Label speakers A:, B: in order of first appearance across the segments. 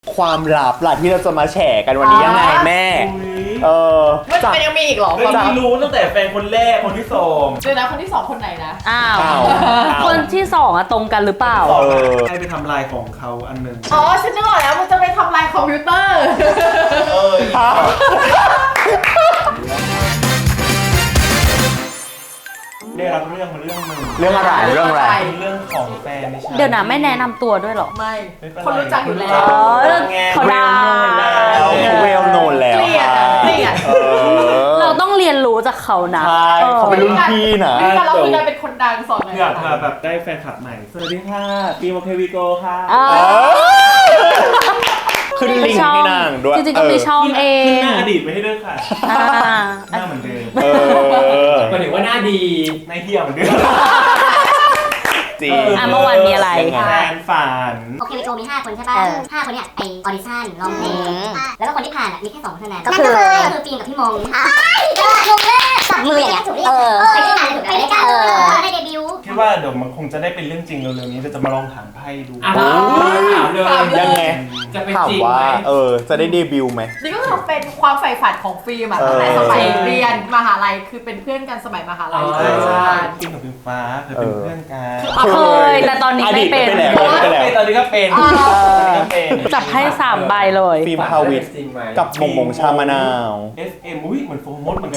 A: ความลับล่ะที่เราจะมาแฉกันวันนี้ยังไงแม่
B: มันยังมีอีกเหรอ
C: ความที่รู้ตั้งแต่แฟนคนแรกคนที่สอง
B: เดี๋ยวนะคนที่สองคนไหนนะ
D: อ้าวคนที่สองอะตรงกันหรือเปล่า
C: ให้ไปทำลายของเขาอันหนึ่ง
B: อ๋อฉันนึกออกแล้วมันจะไปทำลายคอมพิวเตอร์
C: ได้รับเรื่องมาเรื่องนึง
A: เรื่องอะไรเรื่อง
C: ของแฟนไม่ใช่
D: เดี๋ยวนะไม่แนะนำตัวด้วยหรอ
B: ไม่คนรู้จักอยู่แล้ว
D: เขาดัง
A: เวลโนนแล้ว
D: เราต้องเรียนรู้จากเขานะ
A: ใช่เขาเป็นรุ่นพี่นะ
B: แต่เราคือการเป็นคนดังสอน
C: อยากแบบได้แฟนคลับใหม่สวัสดีค่ะปีโมเควิโกค่ะ
A: ขึ้นลิงก์ให้นางด้วย
D: จริงๆก็มีช่องเอง
C: หน้าอดีตไปให้ด้วยค่ะหน้าเหมือนเดิมหมายถึงว่าหน้าดีในเที่ยวเหมือนเดิม
A: จริง
D: เมื่อวานมีอะไร
C: แฟนฝัน
E: โอเควิโกมี5คนใช่ป่ะ5คนเนี่ยไปออดิชั่นร้องเพลงแล้วก็คนที่ผ่านมีแค่2คนเท่านั้นก็คือฟิล์มกับพี่มงงงเลยจับมืออย่างเงี้ยไปด้วยกันไปด้วยกันได้เดบิวต์
C: คิดว่าเดี๋ยวมันคงจะได้เป็นเรื่องจริงเร็วๆนี้จะมาลองถามไพ่ดู
A: ถามเลยยังไงถามว่าจะได้เดบิวต์ไหม
B: นี่ก็คือเป็นความใฝ่ฝันของฟิล์มตั้งแต่สมัยเรียนมหาลัยคือเป็นเพื่อนกันสมัยมหาลัย
C: ใช่ฟิล์มกับฟิล์มฟ้าเคยเป็นเพื่อนกัน
D: เคยแต่ตอนนี้ไม่เป็น
C: ตอนนี้ก็เป็น
D: จับให้3ใบเลย
A: ฟิล์มพาวิทกับมงชามะนาว
C: FM อุ้ยเหมือนโฟมดเหมือนกัน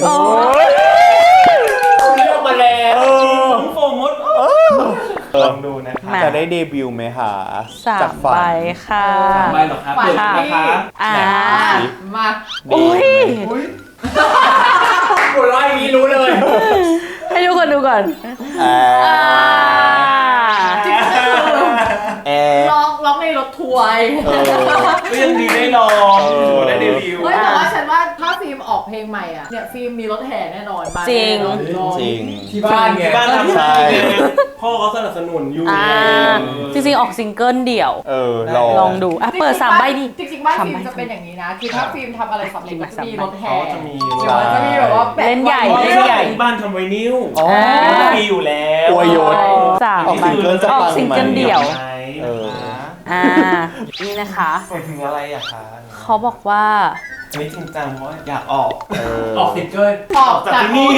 C: เลือกมาแล้วโฟมดลองดูนะครับ
A: จะได้เดบิวต์ไหมคะ
D: 3ใบค่ะ
C: 3ใบหรอครับเปิดนะคะ
B: มา
D: อุ้ย
C: หัวเราะอย่างนี้รู้เลย
D: ให้ทุกคนดูก่อน
B: ร้องในรถทัวร์
C: ก็ยังดีได้ลองได้เดบิวต์
B: แต่ว่าฉันว่าถ้าฟิล์มออกเพลงใหม่อ่ะเนี่ยฟิล์มมีรถแห่แน่นอน
D: จริง
C: ที่บ้านไงทำใช่พ่อเขาสนับสนุนอยู่
D: จริงๆออกซิงเกิลเดี่ยวลองดูเปิด3ใบดิ
B: จริงๆบ้านฟิล์มจะเป็นอย่างนี้นะคือถ้าฟิล์มทำอะไรสำเร็จจะมีรถแห่
C: จะมี
B: แบบว่า
D: เล่นใหญ่
C: บ้านทำไวนิลมีอยู่แล้ว
A: อวยยศ
D: 3ใบออกซิงเกิลเดี่ยวนี่นะคะ
C: ถึงอะไรอะคะ
D: เขาบอกว่า
C: อันนี้จริงจังเพราะอยากออกซิงเกิล
B: ออกจากที่นี่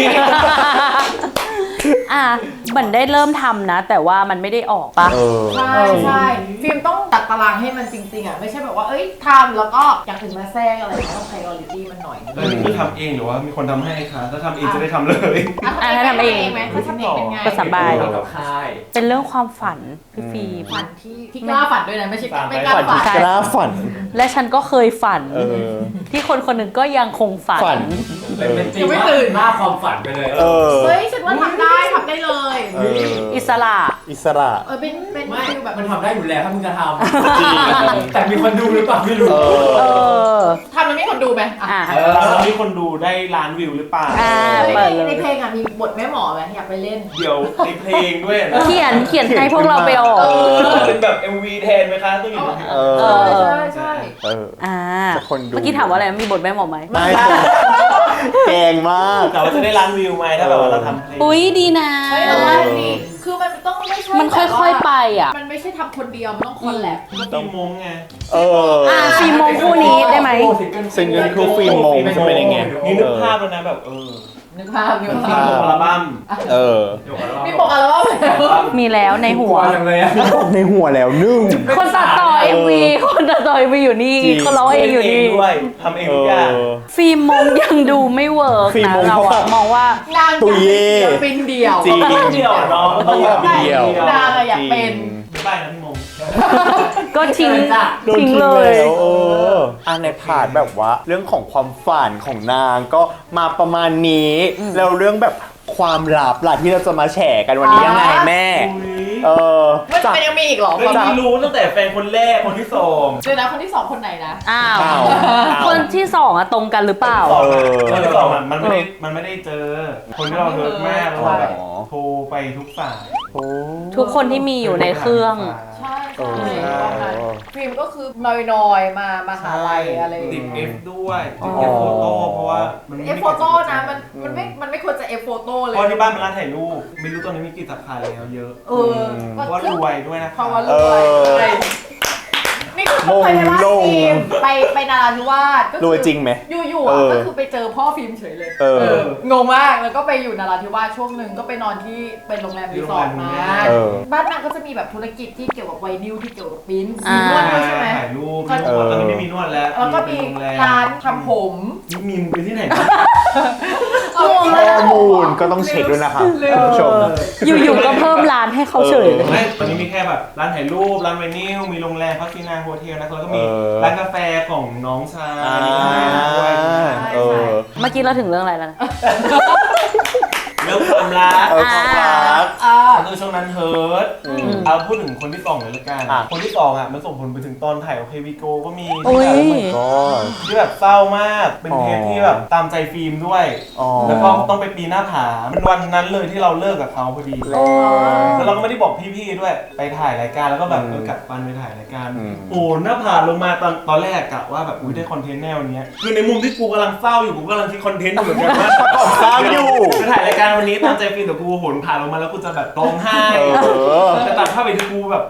D: เหมือนได้เริ่มทำนะแต่ว่ามันไม่ได้ออกปะ
B: ใช่ฟิล์มต้องตัดตารางให้มันจริงๆอ่ะไม่ใช่แบบว่าทำแล้วก็อย่างอื่นมาแทรกอะไรต้อง priority มันหน่อย
C: นี่ทำเองหรือว่ามีคนทำให้คะถ้าทำเองจะได้ทำเลย
D: ถ้าทำเอง
B: ไหมถ้าทำเองเป็นไง
D: ก็สบายเป็นเรื่องความฝันพี่ฟี
B: ฝันที่กล้าฝันด้วยนะไม่ใช่ไม่กล้า
A: ฝัน
D: และฉันก็เคยฝันที่คนคนหนึ่งก็ยังคงฝัน
C: เป็นจริงไม่ตื่นมากความฝันไปเลย
B: เฮ้ยฉันว่าทำได้เลย
D: อิสระ
B: เป็น
C: ฟิลแบบมันทำได้อยู่แล้วถ้ามึงจะทำแต่มีคนดูหรือเปล่าไม่รู้
B: ทำมันมีคนดูไหม
C: แล้วมีคนดูได้ล้านวิวหรือเปล่า
B: ในเพลงมีบทแม่หมอไหมอยากไปเล่น
C: เดี๋ยวในเพลงด้วยนะ
D: เขียนให้พวกเราไปออก
C: เป็นแบบ MV แทนไหมคะต้องอยู่
B: ใช่
D: เมื่อกี้ถามว่าอะไรมีบทแม่หมอไหม
A: ไม่แกงมาก
C: แต่ว่าจะได้ล้านวิวไหมถ้าแบบว่าเราทำ
D: อุ้ยดีนะ
B: คือมันต้องไม่ใช่
D: มันค่อยๆไปอ่ะ
B: มันไม่ใช่ทำคนเดียวมันต้องคอนแลบ
C: ต้องมงไง
D: ฟิล์มมงคู่นี้ได้ไหม
A: ซิงเกิลคู่ฟิล์มมงจะเป็นยังไง
C: นี่นึกภาพแล้วนะแบบ
B: นึกภาพ
C: มีอัลบั้ม
B: มีปกอัลบั้ม
D: มีแล้วในหัว
A: ในหัวแล้วนึ่ง
D: คนตัดต่อ MV อยู่นี่คนร้องเองอยู่นี่
C: ทำเองทุกอย่าง
D: ฟิล์มมงยังดูไม่เวิร์กนะเรามองว่าน
B: างตุยเป็นเดียว
A: จริง
C: เดียวเนาะต้องแบบ
A: เดียวน
B: างอยากเป็น
C: บ้านนะพี่มง
D: ก็ทิ้งเลย
A: ในพาร์ทแบบว่าเรื่องของความฝันของนางก็มาประมาณนี้แล้วเรื่องแบบความลับล่ะที่เราจะมาแฉกันวันนี้ยังไงแม่
B: มันยังมีอีกเหรอ
C: ความที่รู้ตั้งแต่แฟนคนแรกคนที่สอง
B: เดี๋ยวนะคนที่2คนไหนนะ
D: คนที่2อะตรงกันหรือเปล่า
C: คนที่2มันไม่ได้เจอคนที่เราเฮิร์ตมากแล้วแบบโทรไปทุกสาย
D: ทุกคนที่มีอยู่ในเครื่อง
B: ใช่ฟิล์มก็คือน้อยมาหาลัยอะไร
C: ติด F ด้วยติด F โฟโต้เพราะว่า
B: F โฟโต้นะมันไม่ควรจะ F โฟโต้เลย
C: เพราะที่บ้านเป็นร้านถ่ายรูปไม่รู้ตอนนี้มีกี่สาขาแล้วเยอะเพราะว่ารวยด้วยนะ
B: เพราะว่ารวยนี่คือเขาไปว่าฟิล์มไปนาราธิวาสก็
A: รวยจริงไหม
B: อยู่ๆอ่ะก็คือไปเจอพ่อฟิล์มเฉยเลยงงมากแล้วก็ไปอยู่นาราธิวาสช่วงหนึ่งก็ไปนอนที่เป็นโรงแรมรีสอร์ทมาบ้านนางก็จะมีแบบธุรกิจที่เกี่ยวกับไวนิลที่เกี่ยวกับปิ้นมีนวดด้วยใช่ไหม
C: ถ่ายรูปตอนนี้ไม่มีนวดแล้ว
B: แล้วก็มีร้านทำผม
C: มีไปที่ไหน
A: ข้อมูลก็ต้องเช็คด้วยนะครับคุณผู้ชม
D: อยู่ๆก็เพิ่มร้านให้เขาเฉยเลย
C: ไม่ตอนนี้มีแค่แบบร้านถ่ายรูปร้านไวนิลมีโรงแรมพักที่นาโฮเทลนะแล้วก็มีร้านกาแฟของน้องชายด้วย
D: เมื่อกี้เราถึงเรื่องอะไรแล้วนะ
C: เรื่องความรัก
A: ความรัก
C: คือช่วงนั้นเฮิร์ตเอาพูดถึงคนที่สองเลยละกันคนที่สองอ่ะมันส่งผลไปถึงตอนถ่ายโอเควิโกก็มีที่แบบเศร้ามากเป็นเทปที่แบบตามใจฟิล์มด้วยแล้วก็ต้องไปปีนหน้าผาเป็นวันนั้นเลยที่เราเลิกกับเขาพอดีแล้วเราก็ไม่ได้บอกพี่ๆด้วยไปถ่ายรายการแล้วก็แบบกลับบ้านไปถ่ายรายการโอ้หน้าผาลงมาตอนแรกกะว่าแบบอุ้ยได้คอนเทนต์แนวนี้คือในมุมที่กูกำลังเศร้าอยู่กูกำลังคิดคอนเทนต์อยู่เหมือนกันว่า
A: สร้างอยู่
C: ไปถ่ายรายการวันนี้ตามใจฟิล์มแต่กูโหนผ่านลงมาแล้วกูจะแบบร้องไห้แต่ตัดภาพไปที่กูแบบ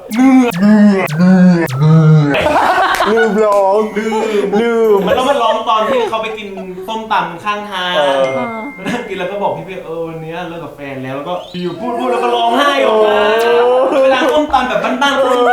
A: ลืมร้องลืม
C: มันต้องมาร้องตอนที่เขาไปกินส้มตำข้างทางนั่งกินแล้วก็บอกพี่วันนี้เลิกกับแฟนแล้วก็อยู่พูดแล้วก็ร้องไห้ออกมาเวลาส้มตำแบบบ้านๆคน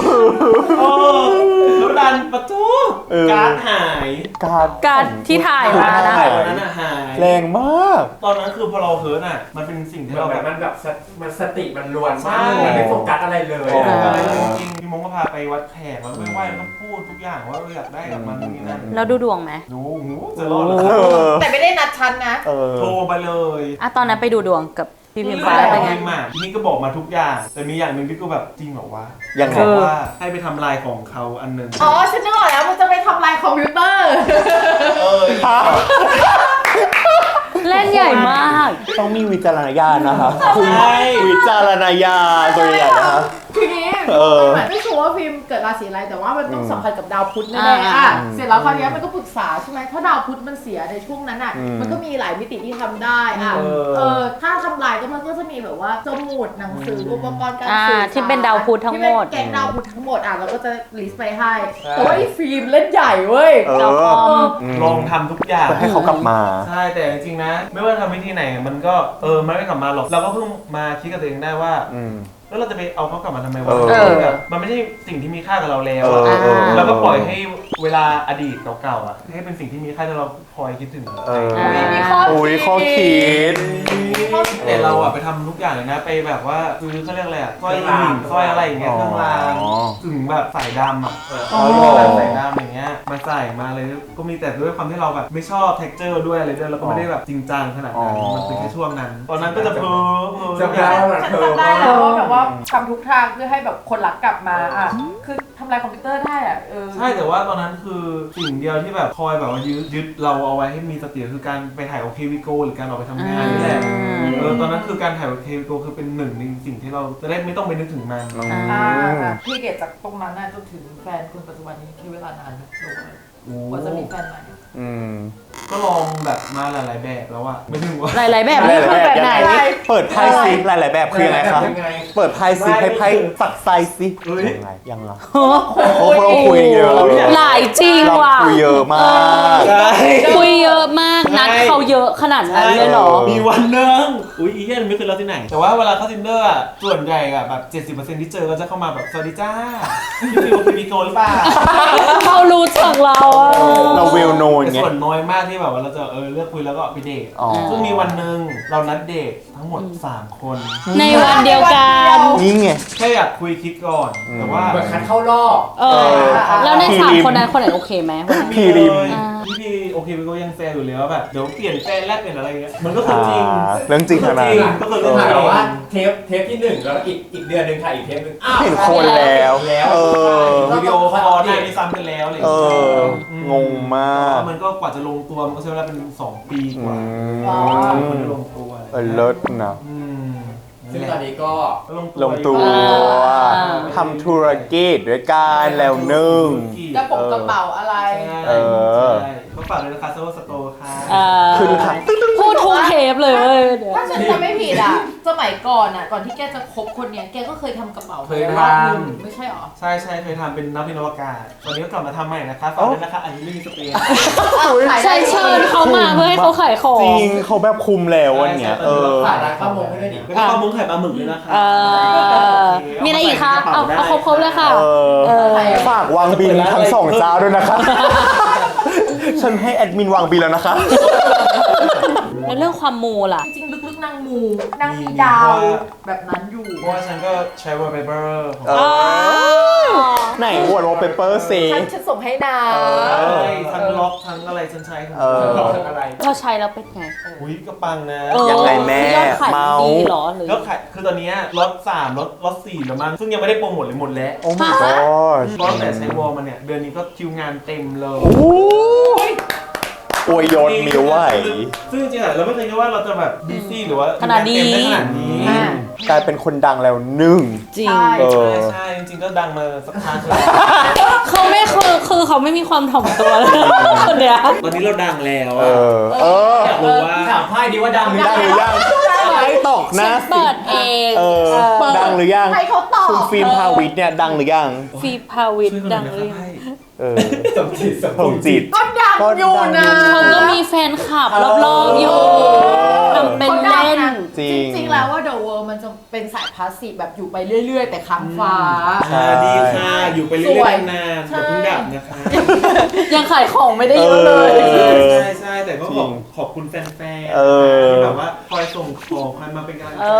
C: แล้วดันประตูการ์ดหาย
D: การที่ถ่ายมานะ
C: ตอนนั้นหาย
A: แรงมาก
C: ตอนนั้นคือพอเราเฮิร์ตมันเป็นสิ่งที่เราแบบ
F: มันสติมันล้วนมากมันไม่โฟกัสอะไรเลย
C: จริงพี่มงก็พาไปวัดแขกแล้วไปไหว้แล้วก็พูดทุกอย่างว่าเราอยากได้กับมันนี่นั่น
D: แล้วดูดวงไหม
C: ดูจะรอดหรอ
B: แต่ไม่ได้นัดชั้นนะ
C: โทรไปเลย
D: ตอนนั้นไปดูดวงกับพี่พิมฟ้าเป็นไง
C: นี่ก็บอกมาทุกอย่างแต่มีอย่างหนึ่งที่กูแบบจริงเหรอวะ
A: ยังไง
C: ว่าให้ไปทำลายของเขาอันนึง
B: ฉันนึกออกแล้วมันจะไปทำลายคอมพิวเตอร์
D: เล่นใหญ่มาก
A: ต้องมีวิจารณญาณนะคะคุณวิจารณญาณตัวใหญ่นะคะ
B: ทีนี้ไม่ชัวร์ว่าฟิล์มเกิดราศีอะไรแต่ว่ามันต้องสัมพันธ์กับดาวพุธแน่ๆเสร็จแล้วคราวนี้มันก็ปรึกษาใช่ไหมถ้าดาวพุธมันเสียในช่วงนั้นมันก็มีหลายมิติที่ทำได้ถ้าทำลายก็มันก็จะมีแบบว่าสมุดหนังสืออุปกรณ์การสื่อสาร
D: ที่เป็นดาวพุธทั้งหมด
B: แกงดาวพุธทั้งหมดเราก็จะลิสต์ไปให้แต่ว่าไอ้ฟิล์มเล่นใหญ่เว้ย
C: ลองทำทุกอย่าง
A: ให้เขากลับมา
C: ใช่แต่จริงๆนะไม่ว่าทำวิธีไหนมันก็มันไม่กลับมาหรอกเราก็เพิ่งมาคิดกับตัวเองได้ว่าแล้วเราจะไปเอาเขากลับมาทำไมวะแบบมันไม่ใช่สิ่งที่มีค่ากับเราแล้วเราก็ปล่อยให้เวลาอดีตเก่าๆให้เป็นสิ่งที่มีค่าที่เราคอยคิดถึง
B: มีข้อ
A: คิด
C: แต่เราไปทำทุกอย่างเลยนะไปแบบว่าคือเขาเรียกอะไรสร้อยหญิงสร้อยอะไรอย่างเงี้ยเครื่องรางถึงแบบสายดำแบบสายดำอย่างเงี้ยมาใส่มาเลยก็มีแต่ด้วยความที่เราแบบไม่ชอบเท็กเจอร์ด้วยอะไรด้วยแล้วก็ไม่ได้แบบจริงจังขนาดนั้นมันเป็นแค่ช่วงนั้นตอนนั้นก็จะเพ้อ
B: จำได้แล้วแบบว่าทำทุกทางเพื่อให้แบบคนรักกลับมาคือทำลายคอมพิวเตอร์ได้
C: ใช่แต่ว่าตอนนั้นคือสิ่งเดียวที่แบบคอยแบบว่ายึดเราเอาไว้ให้มีสติคือการไปถ่ายโอเควิโกหรือการออกไปทำงานนี่แหละตอนนั้นคือการถ่ายโอเควิโกคือเป็นหนึ่งในสิ่งที่เราจะได้ไม่ต้องไปนึกถึงมัน
B: พี่เกดจากตรงนั้นจนถึงแฟนคุณปัจจุบันนี้ใช้เวลานานไหมว่าจะมีแฟนใหม่
C: ก็ลองแบบมาหลายๆแบบแล้วอะไม่ถึงว่า
D: หลายๆแบบนี่คือแบบไหน
A: เปิดไพ่ซิหลายๆแบบคือยังไงครับเปิดไพ่ซิให้ไพ่สักไซซิยังไงเราคุยเยอะ
D: หลายจริงว่ะ
A: คุยเยอะมาก
D: คุยเยอะมากนัดเขาเยอะขนาดนั้นเลยเหรอ
C: มีวันนึงอีเหี้ยไม่เคยเล่าที่ไหนแต่ว่าเวลาเข้า Tinder ส่วนใหญ่แบบ 70% ที่เจอก็จะเข้ามาแบบสวัสดีจ้าพี่ฟิวคือมีโกหรือเปล่า
D: เขารู้จักเรา
A: เราเวลโนนไง
C: ส่วนน้อยมากที่แบบว่าเราจะเลือกคุยแล้วก็ไปเดทซึ่งมีวันนึงเรานัดเดททั้งหมด3คน
D: ในวันเดียวกัน
A: นี่ไง
C: แค่อยากคุยคิดก่อนแต่ว่า
F: เหมือนคัดเข้ารอบ
D: แล้วใน3คนนั้นคนไหนโอเคไหม
C: พี่ริมพี่โอเคพี่ก็ยังแฟนอยู่แล้วแบบเดี๋ยวเปลี่ยนแฟนแรกเปลี่ยนอะไรเงี้ยมันก็คือจริง
A: เรื่องจริงขนาด
C: ก็คือเรื่อง
F: แต่ว่าเทปที่1แล้วอีกเดือนนึงถ่ายอีกเทปนึง
A: เห็นคนแล้ว
C: วิดีโอคอลได้ซ้ำกันแล้วอะไร
A: งงมาก
C: มันก็กว่าจะลงตัวมันก็ใช้เวลาเป็น2 ปีกว่ามันจะลงตัว
A: เลิศนะ
F: ซึ่งตอนนี้ก็
A: ลงตัวทำธุรกิจด้วยกันแล้วนึ่ง
B: กระเป๋าอะไร
C: ก็ฝากเลยนะคะโซโลสโตร์ค่ะ
A: คือค่ะ
D: พูดทูเทปเลยเว้ยเดี๋ยว
B: ถ้าฉันจำไม่ผิดอ่ะสมัยก่อนอ่ะก่อนที่แกจะคบคนเนี้ยแกก็เคยทำกระเป๋า
F: เคยทำ
B: รอบนึงไม่ใช่หรอ
C: ใช่เคยทำเป็นนักบินอวกาศตอนนี้ก็กลับมาทำใหม่นะคะฝากด้วยนะคะอันนี้ไม่มีสเปน
D: ใช่เชิญเขามาเพื่อให้เขาขายของ
A: จริงเขาแบบคุมแล้ววันเนี้ย
F: ฝากร้านข้าวมงให้ด้วยดิ
C: แล้วก็ปลาหมึกไข่ปลาหมึกด้วยนะคะ
D: มีอะไรอีกคะเอาครบเลยค่ะ
A: ฝากวางบินทั้งสองเจ้าด้วยนะคะ ฉันให้แอดมินวางบินแล้วนะคะ
D: ในเรื่องความมูล่ะ
B: จริงๆลึกๆนางมูนางมีดาวแบบนั้นอยู่
C: เพราะว่าฉันก็ใช้ wallpaper ของ
A: ไหนวอลเปเปอร์ซี
B: ฉันส่งให้นาง
C: ทั้งล็อกทั้งอะไรฉันใช้ของ
F: อะไร
D: พอใช้แล้วเป็นไง
C: อุ้ยก็ปังนะ
A: ยังไงแม่
D: ยอดขาย
A: เมา
D: ดีเหรอหรือย
C: อดขายคือตอนนี้รถ3รถ4แล้วมั้งซึ่งยังไม่ได้โปรโมทเลยหมดแล้ว
A: โอ้ my god
C: เพราะแต่ใช้วอลมาเนี่ยเดือนนี้ก็คิวงานเต็มเลย
A: อวยยศมีด้วย
C: ซึ่งจริงๆเราไม่เคยคิดว่าเราจะแบบบีซี่หรือว่า
D: ขนาดนี้
C: เต็มได้ขนาดนี้
A: กลายเป็นคนดังแล้วหนึ่ง
D: จริง
C: ใช่จริงๆก็ดังมาสักพักแล้ว
D: เขาไม่คือเขาไม่มีความถ่อมตัวเลยคนเนี้ย
C: ตอนนี้เราดังแล้วอยากรู้ว่า
F: ถามไพ่ดีว่าดังหรือ
A: ดังหรือยังให้ตอกหน้า
D: เปิดเอง
A: ดังหรือยัง
B: ให้เขาตอบ
A: คุณฟิล์มพาวิทย์เนี่ยดังหรือยัง
D: ฟีพาวิทดังหรือยัง
F: สมจิต
A: ผมจิต
B: ก็ดังอยู่นะ
D: เขาก็มีแฟนคลับรอบๆอยู่ทำเป็นเล่น
A: จริง
B: จริงๆแล้วว่า The World มันจะเป็นสายพาสซีฟแบบอยู่ไปเรื่อยๆ แต่ค้างฟ้า
C: ดีค่ะอยู่ไปเรื่อยๆนานๆอย่าเพิ่งดับนะคะ
D: ยังขายของไม่ได้เยอะเลย
C: ใช่แต่ก็ขอบคุณแฟนๆที่แบบว่าคอยส่งของคอยมาเป็นกำลังใจ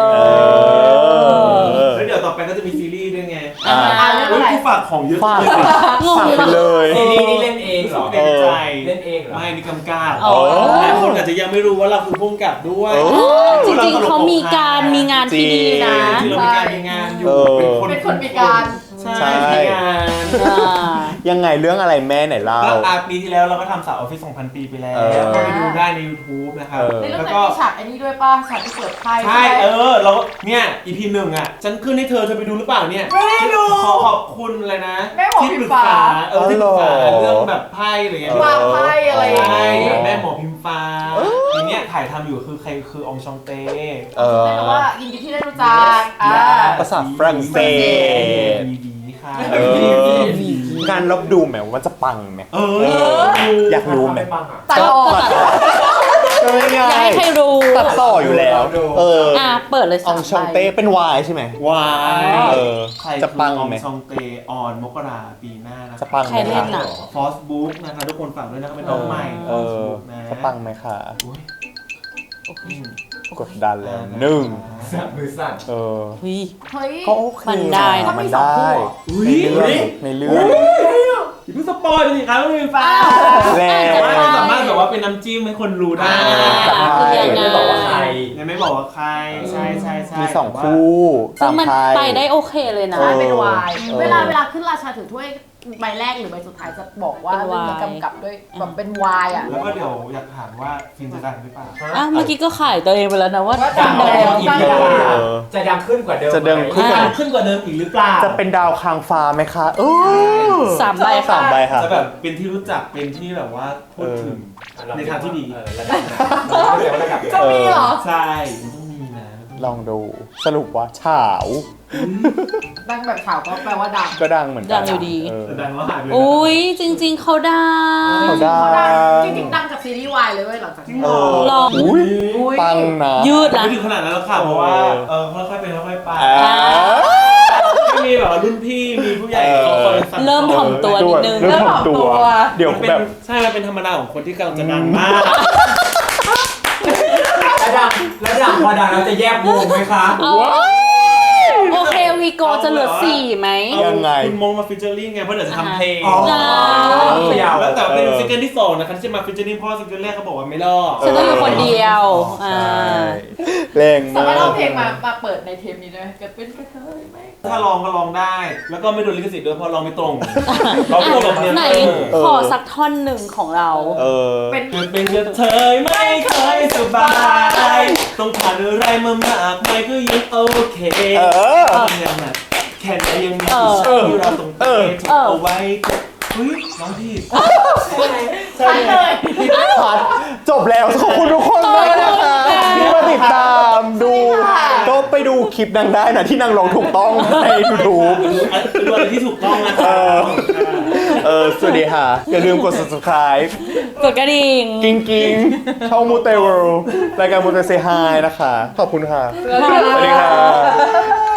C: แล้วเดี๋ยวต่อไปก็จะมีซีรีส์ด้วยไง
B: เรื่องอะไร
C: ที่ฝากของเยอะ
A: ฝาก
C: เลย
A: ฝากไปเลย
F: ซีรีส์นี่เล่นเองเหรอ
C: เต็มใจ
F: เล่นเองเหรอ
C: ไม่มีกำกับ
D: อ๋อ
C: หลายคนอาจจะยังไม่รู้ว่าเราคือผู้กำกับด้วย
D: จริงๆเขามีงานที่ดีนะ
C: จริงๆเรามีการมีงานอยู่
B: เป็นคนมีการ
C: ใช่มีงาน
A: ยังไงเรื่องอะไรแม่ไหนเล่า
C: ก็ปีที่แล้วเราก็ทำสาวออฟฟิศ 2,000 ปีไปแล้วก็ไปดูได้ใน YouTube นะครับ
B: ในเรื่อง
C: แล้ว
B: นั้น
C: ก็
B: มีฉากอันนี้ด้วยป่ะฉากที่เปิดไพ่
C: ใช่เราเนี่ย EP 1อ่ะ ฉันขึ้นให้เธอไปดูหรือเปล่าเนี่ย
B: ไม่ได้ดู
C: ขอบคุณเลยนะ
B: แม่หมอ
C: ที่
B: พิ
C: ป
B: ม
C: รึ
B: พ์
C: ก
B: ฟ้า
C: ษาที่ปรึกษาเรื่องแบบไพ่อะไรเงี้ยว
B: างไพ่อะไรอย่าง
C: ใช่
B: งี้
C: แม่หมอพิมพ์ฟ้าทีเนี้ยถ่ายทำอยู่คือใครคือองชองเต้
B: ไม่รู้ว่ายินดีที่ได้รู้จัก
A: ภาษาฝรั่งเศส
C: ดีค่ะ
A: งานลบดูไหมว่ามันจะปังไหมอยากรู้ไหม
B: ตัดออก
A: ก็ไม่
D: อยาก
A: ง่าย
D: ให้ใครรู้
A: ตัดต่ออยู่แล้ว
D: เปิดเลย
A: อองชองเต้เป็นวายใช่ไหม
C: วาย
A: ใครจะปังไหม
C: องชองเต้ออนมกราปีหน้านะ
A: จะปังไห
D: ใคร
A: ม
D: เล่
A: คะ
D: นน่ะ
C: ฟอสบุ๊กนะคะทุกคนฝากด้วยนะครับเป็นน้องใหม่ Facebook นะ
A: จะปังไหมคะ
C: อุ๊ย
A: กดดันแล้วหนึ่ง
F: มือสั่น
A: เอ
B: เฮ้ย
A: ก็โอเค
D: มันได้นะ
A: มันได้
C: อุ๊ย
A: ในเรื่อง
C: อย่าเพิ่งสปอยล์สิครับไม่มีฟ้า
A: แล้ว
C: แต่ว่ามันสามารถแบบว่าเป็นน้ำจิ้มให้คนรู้ได้
D: คือยังไง
F: ไม่บอกว่าใคร
C: ยังไม่บอกว่าใครใช่ใช่ใช่
A: มีสองคู่
D: ซึ่งมัน
A: ตาม
D: ไป
A: ไพ่
D: ได้โอเคเลยนะ
A: เออ
B: เป็นวายเวลาขึ้นราชาถือถ้วยใบแรกหรือใบสุดท้ายจะบอกว่า
D: เป็น
B: เรื่องนี้
D: วาย
B: กำกับด้วยแบบเป็นวายอ่ะ
C: แล้วก็เดี๋ยวอยากถามว่าฟิล์มจะดังหรือเปล่า
D: เมื่อกี้ก็ขายตัวเองไปแล้วนะว่า
B: ว่า
D: ดัง
B: ดัง
D: แล้ว
F: อีกไม่ได้จะดังขึ้นกว่าเดิม
A: จะดังขึ้น
C: ดังขึ้นกว่าเดิมอีกหรือเปล่า
A: จะเป็นดาวค้างฟ้าไหมคะ
D: 3 ใบ
A: สามใบค่ะ
C: จะแบบเป็นที่รู้จักเป็นที่แบบว่าพูดถึง ในทางที่ดี
F: ระดับระดับ
B: จะมีเหรอ
C: ใช่มันต้องมีนะ
A: ลองดูสรุปว่าเฉา
B: ดังแบบข่าวก็แปลว่าดัง
A: ก็ดังเหมือนกั
D: ดังอยู่ดี
C: แต่ดังแล้วหายไปเลยนะ
D: อุ้ยจริง ๆเขาดัง
A: เขาดั
B: เขาดัง
A: ง
B: จริงๆดังจากซีรีส์วายเลยเว้ยหลังจากนี้
D: ลอง
A: อุ้ยปังนะ
D: ยืดนะ
C: ไม่ถึงขนาดนั้นแล้วค่ะเพราะว่าค่อยๆเป็นค่อยๆไป
A: อ่า
C: ไม่มีแบบว่ารุ่นพี่มีผู้ใหญ่เขาคอยสั่ง
D: เริ่มถ่อมตัวนิดนึง
A: เริ่มถ่อมตัว เดี๋ยว
C: มันเป็น
A: แบบ
C: ใช่มันเป็นธรรมดาของคนที่กำลังจะดังมาก
F: แล้วดังพอดังเราจะแยกวงไหมคะ
D: โอเควีโกจะเหลือ4ไหม
A: ยังไง
C: คุณมงมาฟิชเจอริ่งไงเพราะเดี๋ยวจะทำเพลง
F: อ๋อ
C: แล้วแต่เป็นซิงเกิลที่สองนะคะที่จะมาฟิชเจอริ่งเพราะซิงเกิลแรกเขาบอกว่าไม่รอด
D: ฉันต้องอยู่คนเดียว
A: แรง
B: สา
A: าม
B: มารถเอา
A: ก
B: เพลงมาเปิดในเทปนี้ได้ไหมเกิดเป็นกระเทยไหม
C: ถ้าลองก็ลองได้ แล้วก็ไม่โดนลิขสิทธิ์ด้วยเพราะลองไม่ตรงเราไม่ตรงกับเนี่ย
D: ไหนขอสักท่อนหนึ่งของเรา
B: เป็น
C: เกิดเป็นกระเทยไม่เคยสบาย ต้องผ่านอะไรมามากมายก็ยังโอเคยังไงแค่ไหนยังมีที่เราต้องเตะเอาไว้เฮ้ยน้องพี่
B: ใช่เลย
A: พัดจบแล้วขอบคุณทุกคนมากนะคะไปดูคลิปนางได้นะที่นางลงถูกต้องใน YouTube
C: ดูอะไรที่ถูกต้องนะค
A: สวัสดีค่ะ อย่าลืมกด subscribe
D: กดกระดิ่ง
A: กิ้งกิ้งช่องมูเตเวิลด์รายการมูเตเซฮายนะคะ ขอบคุณค่ะ สวัสดีค่ะ